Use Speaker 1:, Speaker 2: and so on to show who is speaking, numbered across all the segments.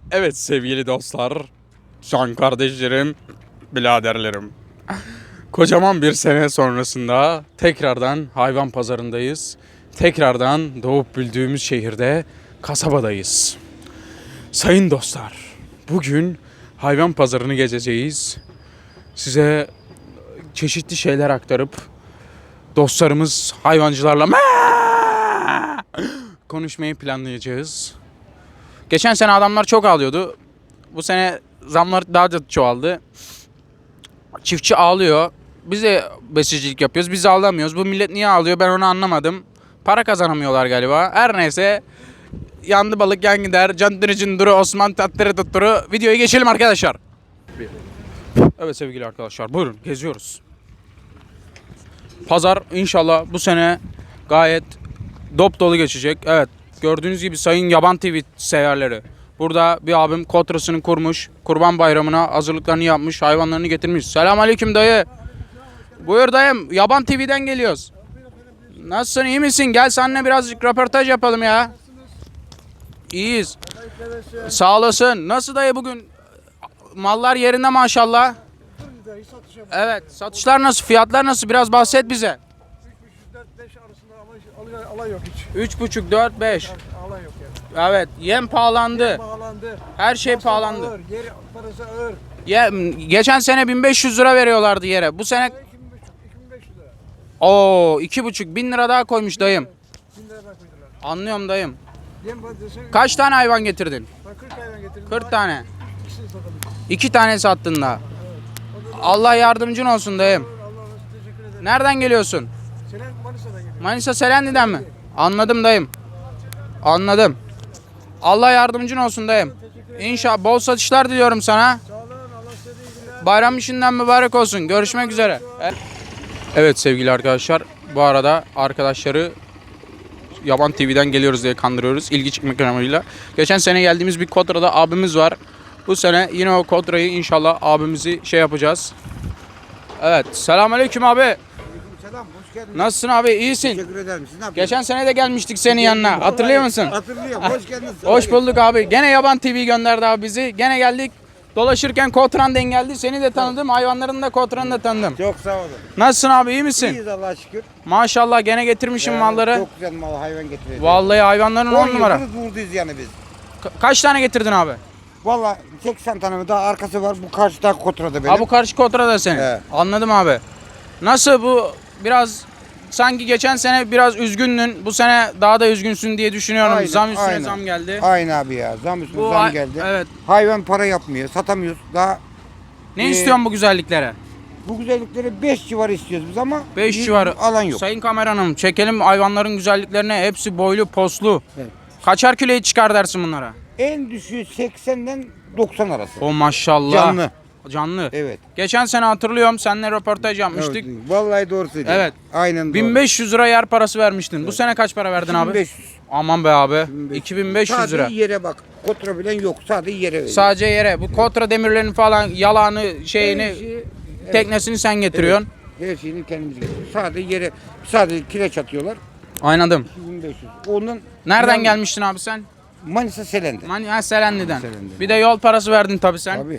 Speaker 1: Evet sevgili dostlar, can kardeşlerim, biraderlerim. Kocaman bir sene sonrasında tekrardan hayvan pazarındayız. Tekrardan doğup büyüdüğümüz şehirde, kasabadayız. Sayın dostlar, bugün hayvan pazarını gezeceğiz. Size çeşitli şeyler aktarıp dostlarımız hayvancılarla konuşmayı planlayacağız. Geçen sene adamlar çok ağlıyordu. Bu sene zamlar daha da çoğaldı. Çiftçi ağlıyor. Biz de besicilik yapıyoruz. Biz ağlamıyoruz. Bu millet niye ağlıyor ben onu anlamadım. Para kazanamıyorlar galiba. Her neyse. Yandı balık yan gider. Candırı cındırı Osman tattırı tutturu. Videoya geçelim arkadaşlar. Evet sevgili arkadaşlar buyurun geziyoruz. Pazar inşallah bu sene gayet dop dolu geçecek. Evet gördüğünüz gibi sayın Yaban TV severleri. Burada bir abim kotrasını kurmuş. Kurban bayramına hazırlıklarını yapmış. Hayvanlarını getirmiş. Selamünaleyküm dayı. Buyur dayım. Yaban TV'den geliyoruz. Nasılsın iyi misin? Gel seninle birazcık röportaj yapalım ya. İyiyiz. Sağ olasın. Nasıl dayı bugün? Mallar yerinde maşallah. Evet. Satışlar nasıl? Fiyatlar nasıl? Biraz bahset bize.
Speaker 2: 3,5-4-5 arasında ama alay yok hiç.
Speaker 1: 3,5, 4, 5.
Speaker 2: Alay yok yani.
Speaker 1: Evet. Yem pahalandı.
Speaker 2: Pahalandı.
Speaker 1: Her şey
Speaker 2: Masraf
Speaker 1: pahalandı.
Speaker 2: Ağır, yer parası ağır.
Speaker 1: Geçen sene 1500 lira veriyorlardı yere. Bu sene
Speaker 2: 2.500 lira.
Speaker 1: o 2,5 bin lira daha koymuş dayım.
Speaker 2: 1000 lira koydular.
Speaker 1: Anlıyorum dayım.
Speaker 2: Yem patatesi.
Speaker 1: Kaç tane hayvan getirdin?
Speaker 2: 40 hayvan getirdim.
Speaker 1: 40 tane.
Speaker 2: İkisini satalım.
Speaker 1: 2 tane sattın da. Allah yardımcın olsun dayım.
Speaker 2: Allah'a teşekkür ederim.
Speaker 1: Nereden geliyorsun?
Speaker 2: Selen Manisa'dan geliyor.
Speaker 1: Manisa Selanik'ten mi? Anladım dayım. Anladım. Allah yardımcın olsun dayım. İnşallah bol satışlar diliyorum sana.
Speaker 2: Sağ olun. Allah size de iyi günler.
Speaker 1: Bayram işinden mübarek olsun. Görüşmek üzere. Evet sevgili arkadaşlar. Bu arada arkadaşları Yaban TV'den geliyoruz diye kandırıyoruz. İlgi çekmek amacıyla. Geçen sene geldiğimiz bir Kodra'da abimiz var. Bu sene yine o Kodra'yı inşallah abimizi şey yapacağız. Evet. Selamünaleyküm abi.
Speaker 2: Selam. Hoş geldiniz.
Speaker 1: Nasılsın abi? İyisin.
Speaker 2: Teşekkür ederim. Siz ne yapıyorsunuz?
Speaker 1: Geçen sene de gelmiştik senin yanına. Hatırlıyor musun?
Speaker 2: Hatırlıyorum. Hoş geldiniz.
Speaker 1: Hoş bulduk abi. Gene Yaban TV gönderdi abi bizi. Gene geldik. Dolaşırken Kotran denk geldi. Seni de tanıdım. Hayvanların da Kotran'ı da tanıdım.
Speaker 2: Çok sağ olun.
Speaker 1: Nasılsın abi? İyi misin?
Speaker 2: İyiyiz Allah'a şükür.
Speaker 1: Maşallah gene getirmişim malları.
Speaker 2: Çok güzel mal hayvan getiriyoruz.
Speaker 1: Vallahi hayvanların 10 numara.
Speaker 2: yıldır buradayız yani biz.
Speaker 1: Kaç tane getirdin abi?
Speaker 2: Valla 80 tane mi daha arkası var. Bu karşıda Kotra'da benim.
Speaker 1: Abi bu karşı Kotra da senin.
Speaker 2: Evet.
Speaker 1: Anladım abi. Nasıl bu biraz sanki geçen sene biraz üzgündün. Bu sene daha da üzgünsün diye düşünüyorum.
Speaker 2: Aynen,
Speaker 1: Zam üstüne
Speaker 2: aynen.
Speaker 1: zam geldi.
Speaker 2: Aynı abi ya. Zam üstüne
Speaker 1: Bu
Speaker 2: zam geldi.
Speaker 1: Evet.
Speaker 2: Hayvan para yapmıyor. Satamıyoruz. Daha
Speaker 1: Ne istiyorsun bu güzelliklere?
Speaker 2: bu güzellikleri 5 civarı istiyoruz biz ama
Speaker 1: 5
Speaker 2: bir
Speaker 1: civarı.
Speaker 2: alan yok.
Speaker 1: Sayın kameranım çekelim hayvanların güzelliklerini. Hepsi boylu poslu.
Speaker 2: Evet.
Speaker 1: Kaçar kiloyu çıkar dersin bunlara?
Speaker 2: En düşüğü 80'den 90 arası.
Speaker 1: O maşallah.
Speaker 2: Canlı.
Speaker 1: Canlı.
Speaker 2: Evet.
Speaker 1: Geçen sene hatırlıyorum seninle röportaj yapmıştık.
Speaker 2: Evet, vallahi doğru söylüyorsun.
Speaker 1: Evet.
Speaker 2: Aynen doğru.
Speaker 1: 1500 lira yer parası vermiştin. Bu sene kaç para verdin abi?
Speaker 2: 1500.
Speaker 1: Aman be abi. 2500 lira.
Speaker 2: Sadece yere bak. Kotra bilen yok. Sadece yere veriyor.
Speaker 1: Sadece yere. Bu kontra demirlerini falan yalanı şeyini
Speaker 2: Her şeyi-
Speaker 1: teknesini sen getiriyorsun.
Speaker 2: Her şeyini kendimiz getiriyoruz. Sadece kireç atıyorlar.
Speaker 1: Aynadım.
Speaker 2: 2500. Onun
Speaker 1: Nereden gelmiştin abi sen?
Speaker 2: Manisa Selen'de.
Speaker 1: Selenli'den.
Speaker 2: Selen'den.
Speaker 1: Bir de yol parası verdin tabii sen.
Speaker 2: Tabii.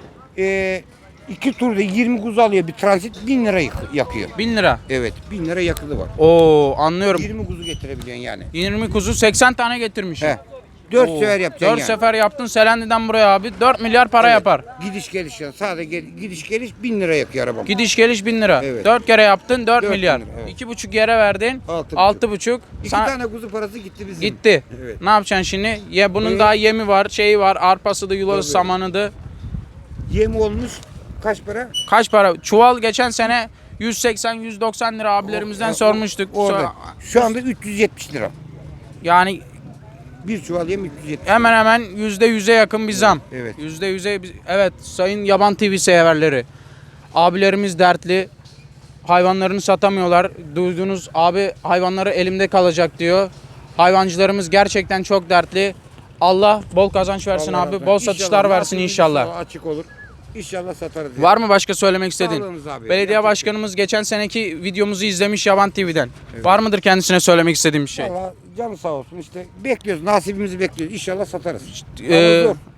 Speaker 2: 2 turda 20 kuzu alıyor bir transit 1000 lira yakıyor.
Speaker 1: 1000 lira.
Speaker 2: Evet 1000 lira yakıtı var.
Speaker 1: Oo anlıyorum.
Speaker 2: 20 kuzu getirebiliyorsun yani.
Speaker 1: 20 kuzu 80 tane getirmiş.
Speaker 2: He. 4
Speaker 1: Oo.
Speaker 2: sefer yapacaksın
Speaker 1: 4
Speaker 2: yani.
Speaker 1: sefer yaptın Selenli'den buraya abi. 4 milyar para
Speaker 2: Evet.
Speaker 1: yapar.
Speaker 2: Gidiş geliş yani. Sadece gidiş geliş 1000 lira yakıyor arabam.
Speaker 1: Gidiş geliş 1000 lira.
Speaker 2: Evet.
Speaker 1: 4 kere yaptın 4
Speaker 2: 4
Speaker 1: milyar.
Speaker 2: bin lira, evet.
Speaker 1: 2,5 yere verdin.
Speaker 2: 6,5.
Speaker 1: 6,5.
Speaker 2: 2
Speaker 1: Sana
Speaker 2: tane kuzu parası gitti bizim.
Speaker 1: gitti.
Speaker 2: Evet.
Speaker 1: Ne yapacaksın şimdi? Ya bunun
Speaker 2: Ee,
Speaker 1: daha yemi var, şeyi var, arpası da yulası
Speaker 2: Tabii.
Speaker 1: samanı da.
Speaker 2: Yem olmuş kaç para?
Speaker 1: Kaç para? Çuval geçen sene 180-190 lira abilerimizden sormuştuk.
Speaker 2: Orada. Şu anda 370 lira.
Speaker 1: Yani
Speaker 2: Bir çuval yem 370.
Speaker 1: hemen hemen %100'e yakın bir zam.
Speaker 2: Evet.
Speaker 1: %100'e evet sayın Yaban TV severleri. Abilerimiz dertli. Hayvanlarını satamıyorlar. Duyduğunuz abi hayvanları elimde kalacak diyor. Hayvancılarımız gerçekten çok dertli. Allah bol kazanç versin
Speaker 2: Allah
Speaker 1: abi.
Speaker 2: razı
Speaker 1: Bol
Speaker 2: olsun.
Speaker 1: satışlar
Speaker 2: İnşallah
Speaker 1: versin
Speaker 2: nasibimiz
Speaker 1: inşallah.
Speaker 2: Açık olur. İnşallah satarız.
Speaker 1: Var mı başka söylemek istediğin?
Speaker 2: Sağlığınız abi.
Speaker 1: Belediye
Speaker 2: Yapacak
Speaker 1: başkanımız geçen seneki videomuzu izlemiş Yaban TV'den. Var mıdır kendisine söylemek istediğim bir şey?
Speaker 2: Valla canı sağ olsun işte bekliyoruz nasibimizi bekliyoruz İnşallah satarız.
Speaker 1: Ee,
Speaker 2: Ama zor.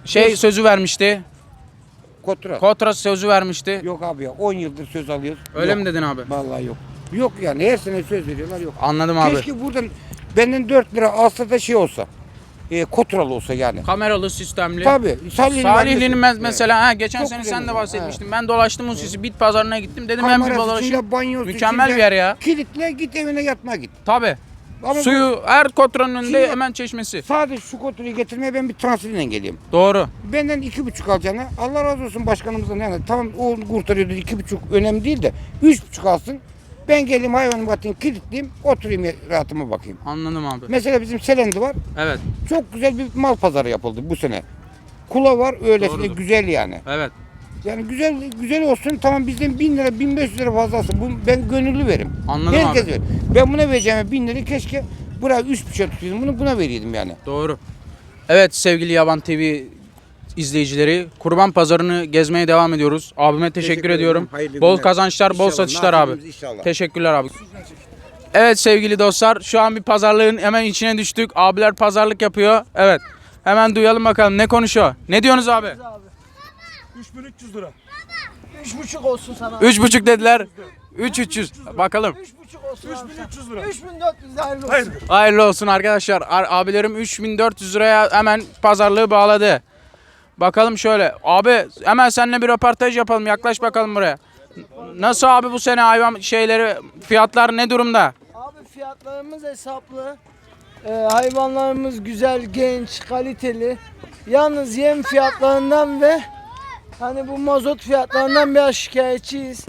Speaker 1: Sözü vermişti.
Speaker 2: Kotra.
Speaker 1: Kotra sözü vermişti.
Speaker 2: Yok abi ya 10 yıldır söz alıyoruz.
Speaker 1: Öyle
Speaker 2: Yok.
Speaker 1: mi dedin abi?
Speaker 2: Vallahi yok. Yok yani her sene söz veriyorlar yok.
Speaker 1: Anladım abi.
Speaker 2: Keşke buradan benden 4 lira alsa da şey olsa. Kotralı olsa yani.
Speaker 1: Kameralı sistemli.
Speaker 2: Tabii.
Speaker 1: Salihli'nin mesela geçen
Speaker 2: Çok
Speaker 1: sene
Speaker 2: güzel
Speaker 1: sen de
Speaker 2: yani.
Speaker 1: bahsetmiştin. Ben dolaştım Husus'u bit pazarına gittim. Dedim ben bir dolaşayım.
Speaker 2: Kamerasıyla, banyosu,
Speaker 1: Mükemmel bir yer ya.
Speaker 2: Kilitle git evine yatma git.
Speaker 1: Tabii.
Speaker 2: Ama
Speaker 1: Suyu her kotranın önünde
Speaker 2: Şimdi-
Speaker 1: hemen çeşmesi.
Speaker 2: sadece şu kotrayı getirmeye ben bir transferle geleyim.
Speaker 1: Doğru.
Speaker 2: Benden 2,5 alacağına Allah razı olsun başkanımızdan yani tamam o kurtarıyordu 2,5 önemli değil de 3,5 alsın. Ben geleyim hayvanımı atayım kilitleyeyim oturayım rahatıma bakayım.
Speaker 1: Anladım abi.
Speaker 2: Mesela bizim Selendi var.
Speaker 1: Evet.
Speaker 2: Çok güzel bir mal pazarı yapıldı bu sene. Kula var öylesine
Speaker 1: Doğrudur.
Speaker 2: güzel yani.
Speaker 1: Evet.
Speaker 2: Yani güzel olsun tamam bizden 1000 lira 1500 lira fazlası. Bu, ben gönüllü verim.
Speaker 1: Anladım
Speaker 2: Herkes
Speaker 1: abi.
Speaker 2: verir. Ben buna vereceğime 1000 lira keşke buraya 3,5 tutuyordum bunu buna veriyordum yani.
Speaker 1: Doğru. Evet sevgili Yaban TV izleyicileri, Kurban Pazarını gezmeye devam ediyoruz. Abime teşekkür ediyorum.
Speaker 2: ederim. Hayırlı
Speaker 1: Bol
Speaker 2: günler.
Speaker 1: kazançlar, bol
Speaker 2: İnşallah,
Speaker 1: satışlar abi.
Speaker 2: nasibimiz inşallah.
Speaker 1: Teşekkürler abi. Evet sevgili dostlar, şu an bir pazarlığın hemen içine düştük. Abiler pazarlık yapıyor. Evet. Hemen duyalım bakalım ne konuşuyor. Ne diyorsunuz abi?
Speaker 3: 3300 lira. 3,5 olsun sana.
Speaker 1: 3,5 dediler. 3,300. Bakalım.
Speaker 3: 3,5 olsun.
Speaker 2: 3300
Speaker 3: lira. 3400 de hayırlı olsun.
Speaker 2: Hayır.
Speaker 1: Hayırlı olsun arkadaşlar. Abilerim 3400 liraya hemen pazarlığı bağladı. Bakalım şöyle. Abi hemen seninle bir röportaj yapalım. Yaklaş bakalım buraya. Nasıl abi bu sene hayvan fiyatlar ne durumda?
Speaker 3: Abi fiyatlarımız hesaplı. Hayvanlarımız güzel, genç, kaliteli. Yalnız yem fiyatlarından ve hani bu mazot fiyatlarından biraz şikayetçiyiz.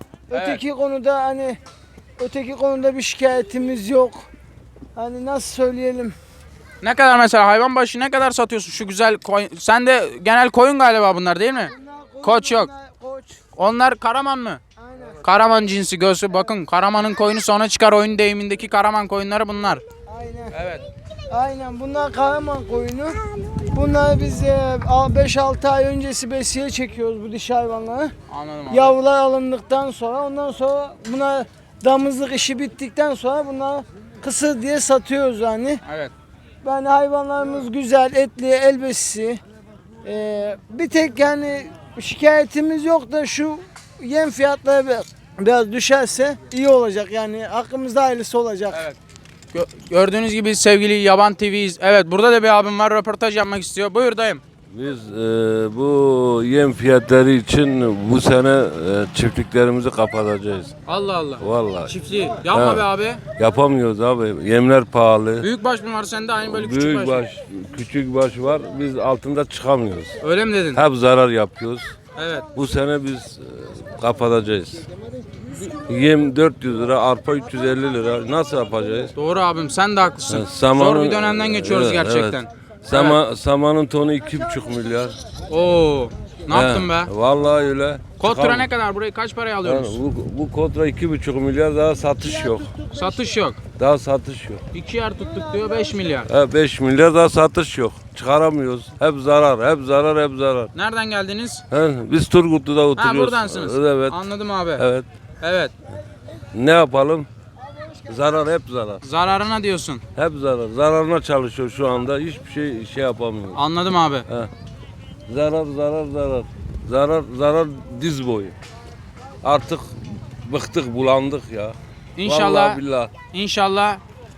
Speaker 3: Öteki konuda bir şikayetimiz yok. Hani nasıl söyleyelim?
Speaker 1: Ne kadar mesela hayvan başı ne kadar satıyorsun şu güzel koyun? Sen de genel koyun galiba bunlar değil mi? Koç yok.
Speaker 3: Koç.
Speaker 1: Onlar Karaman mı?
Speaker 3: Aynen.
Speaker 1: Karaman cinsi göğsü bakın. Karaman'ın koyunu sonra çıkar oyun deyimindeki Karaman koyunları bunlar.
Speaker 3: Aynen.
Speaker 1: Evet.
Speaker 3: Aynen bunlar Karaman koyunu. Bunları biz 5-6 ay öncesi besiye çekiyoruz bu dişi hayvanları.
Speaker 1: Anladım abi.
Speaker 3: Yavrular alındıktan sonra ondan sonra buna damızlık işi bittikten sonra bunları kısır diye satıyoruz yani.
Speaker 1: Evet.
Speaker 3: Yani hayvanlarımız güzel, etli, elbisesi. Bir tek yani şikayetimiz yok da şu yem fiyatları biraz düşerse iyi olacak yani hakkımızda hayırlısı olacak.
Speaker 1: Evet. Gördüğünüz gibi sevgili Yaban TV'yiz. Evet burada da bir abim var röportaj yapmak istiyor. Buyur dayım.
Speaker 4: Biz bu yem fiyatları için bu sene çiftliklerimizi kapatacağız.
Speaker 1: Allah Allah.
Speaker 4: Vallahi.
Speaker 1: Çiftliği. Yapma
Speaker 4: Ha.
Speaker 1: be abi.
Speaker 4: Yapamıyoruz abi. Yemler pahalı.
Speaker 1: Büyük baş mı var sende aynı böyle küçük
Speaker 4: Büyük
Speaker 1: baş.
Speaker 4: baş, küçük baş var. Biz altında çıkamıyoruz.
Speaker 1: Öyle mi dedin?
Speaker 4: Hep zarar yapıyoruz.
Speaker 1: Evet.
Speaker 4: Bu sene biz kapatacağız. Yem 400 lira, arpa 350 lira. Nasıl yapacağız?
Speaker 1: Doğru abim sen de haklısın.
Speaker 4: Samanın-
Speaker 1: Zor bir dönemden geçiyoruz
Speaker 4: Evet,
Speaker 1: gerçekten.
Speaker 4: evet. Samanın tonu 2,5 milyar.
Speaker 1: Oo. Ne yaptın be?
Speaker 4: Vallahi öyle.
Speaker 1: Kotra
Speaker 4: Çıkam-
Speaker 1: ne kadar? Burayı kaç paraya
Speaker 4: Yani
Speaker 1: alıyoruz?
Speaker 4: bu kontra 2,5 milyar daha satış yok.
Speaker 1: Satış yok.
Speaker 4: Daha satış yok.
Speaker 1: 2 yer tuttuk diyor 5 milyar.
Speaker 4: 5 milyar daha satış yok. Çıkaramıyoruz. Hep zarar, hep zarar, hep zarar.
Speaker 1: Nereden geldiniz?
Speaker 4: Biz Turgutlu'da
Speaker 1: Ha
Speaker 4: oturuyoruz.
Speaker 1: buradansınız.
Speaker 4: Evet.
Speaker 1: Anladım abi.
Speaker 4: Evet.
Speaker 1: Evet.
Speaker 4: Ne yapalım? Zarar hep zarar.
Speaker 1: Zararına diyorsun.
Speaker 4: Hep zarar. Zararına çalışıyor şu anda. Hiçbir şey yapamıyoruz.
Speaker 1: Anladım abi.
Speaker 4: Zarar, zarar, zarar. Zarar, zarar diz boyu. Artık bıktık, bulandık ya.
Speaker 1: İnşallah.
Speaker 4: Vallahi billahi.
Speaker 1: İnşallah.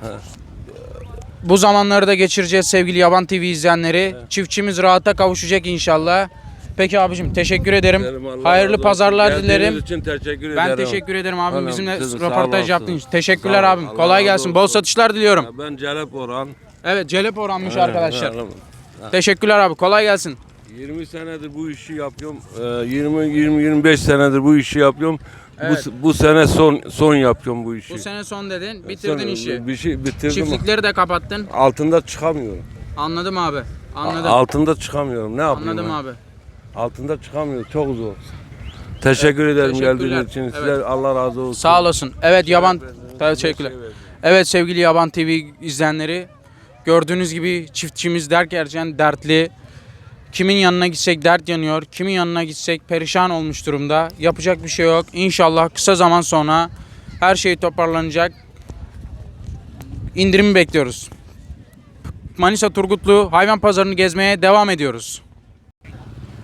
Speaker 1: Bu zamanları da geçireceğiz sevgili Yaban TV izleyenleri. Çiftçimiz rahata kavuşacak inşallah. Peki abicim teşekkür ederim.
Speaker 4: Dilerim Allah razı
Speaker 1: Hayırlı
Speaker 4: olsun.
Speaker 1: pazarlar
Speaker 4: Geldiğiniz
Speaker 1: dilerim.
Speaker 4: için teşekkür
Speaker 1: Ben
Speaker 4: ederim.
Speaker 1: teşekkür ederim abim
Speaker 4: Hanım,
Speaker 1: bizimle
Speaker 4: siz de sağ
Speaker 1: röportaj
Speaker 4: olasın.
Speaker 1: yaptığın için. Teşekkürler
Speaker 4: Sağ ol.
Speaker 1: abim.
Speaker 4: Allah
Speaker 1: Kolay
Speaker 4: razı
Speaker 1: gelsin. Bol
Speaker 4: olsun.
Speaker 1: satışlar diliyorum.
Speaker 4: Ben Celep Orhan.
Speaker 1: Evet Celep oranmış arkadaşlar.
Speaker 4: Evet.
Speaker 1: Teşekkürler abi. Kolay gelsin.
Speaker 4: 20 senedir bu işi yapıyorum. 20-25 senedir bu işi yapıyorum.
Speaker 1: Evet.
Speaker 4: Bu sene son yapıyorum bu işi.
Speaker 1: Bu sene son dedin. Bitirdin
Speaker 4: Son-
Speaker 1: işi.
Speaker 4: Bir şey bitirdim.
Speaker 1: Çiftlikleri de kapattın.
Speaker 4: Altında çıkamıyorum.
Speaker 1: Anladım abi. Anladım.
Speaker 4: Altında çıkamıyorum. Ne yapayım?
Speaker 1: Anladım
Speaker 4: ben?
Speaker 1: abi.
Speaker 4: Altında çıkamıyorum. Çok zor. Teşekkür ederim
Speaker 1: teşekkürler.
Speaker 4: geldiğiniz için.
Speaker 1: Evet.
Speaker 4: Size Allah razı olsun.
Speaker 1: Sağ olasın. Evet Yaban teşekkürler. Evet sevgili Yaban TV izleyenleri gördüğünüz gibi çiftçimiz derken dertli. Kimin yanına gitsek dert yanıyor. Kimin yanına gitsek perişan olmuş durumda. Yapacak bir şey yok. İnşallah kısa zaman sonra her şey toparlanacak. İndirimi bekliyoruz. Manisa Turgutlu hayvan pazarını gezmeye devam ediyoruz.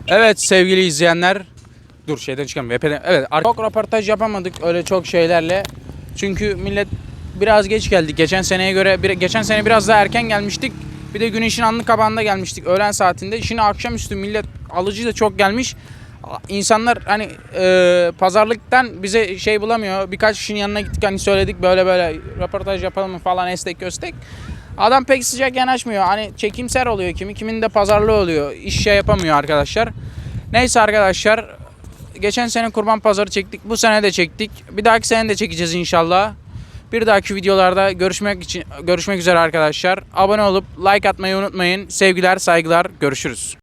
Speaker 1: Evet sevgili izleyenler. Dur şeyden çıkalım. Evet çok röportaj yapamadık öyle çok şeylerle. Çünkü millet biraz geç geldik. Geçen seneye göre geçen sene biraz daha erken gelmiştik. Bir de güneşin anlık kabağında gelmiştik öğlen saatinde. Şimdi akşamüstü millet alıcı da çok gelmiş. İnsanlar hani pazarlıktan bize şey bulamıyor. Birkaç kişinin yanına gittik hani söyledik böyle böyle röportaj yapalım mı falan estek köstek. Adam pek sıcak yanaşmıyor. Hani çekimser oluyor kimin de pazarlığı oluyor. İş şey yapamıyor arkadaşlar. Neyse arkadaşlar. Geçen sene kurban pazarı çektik. Bu sene de çektik. Bir dahaki sene de çekeceğiz inşallah. Bir dahaki videolarda görüşmek üzere arkadaşlar. Abone olup like atmayı unutmayın. Sevgiler, saygılar. Görüşürüz.